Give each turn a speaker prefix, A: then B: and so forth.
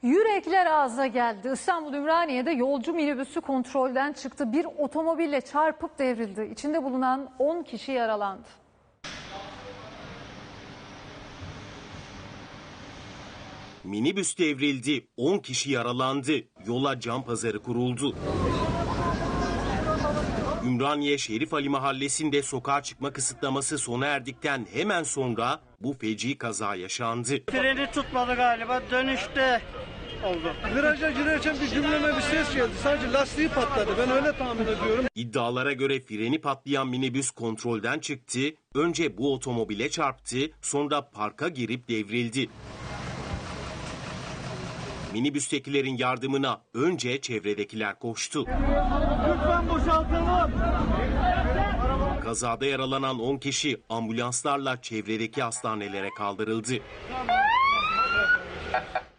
A: Yürekler ağza geldi. İstanbul Ümraniye'de yolcu minibüsü kontrolden çıktı. Bir otomobille çarpıp devrildi. İçinde bulunan 10 kişi yaralandı.
B: Minibüs devrildi, 10 kişi yaralandı. Yola can pazarı kuruldu. Ümraniye Şerif Ali Mahallesi'nde sokağa çıkma kısıtlaması sona erdikten hemen sonra bu feci kaza yaşandı.
C: Freni tutmadı galiba, dönüşte oldu.
D: Viraja girerken bir gümleme bir ses geldi. Sadece lastiği patladı. Ben öyle tahmin ediyorum.
B: İddialara göre freni patlayan minibüs kontrolden çıktı. Önce bu otomobile çarptı, sonra parka girip devrildi. Minibüstekilerin yardımına önce çevredekiler koştu.
C: Lütfen boşaltalım.
B: Kazada yaralanan 10 kişi ambulanslarla çevredeki hastanelere kaldırıldı.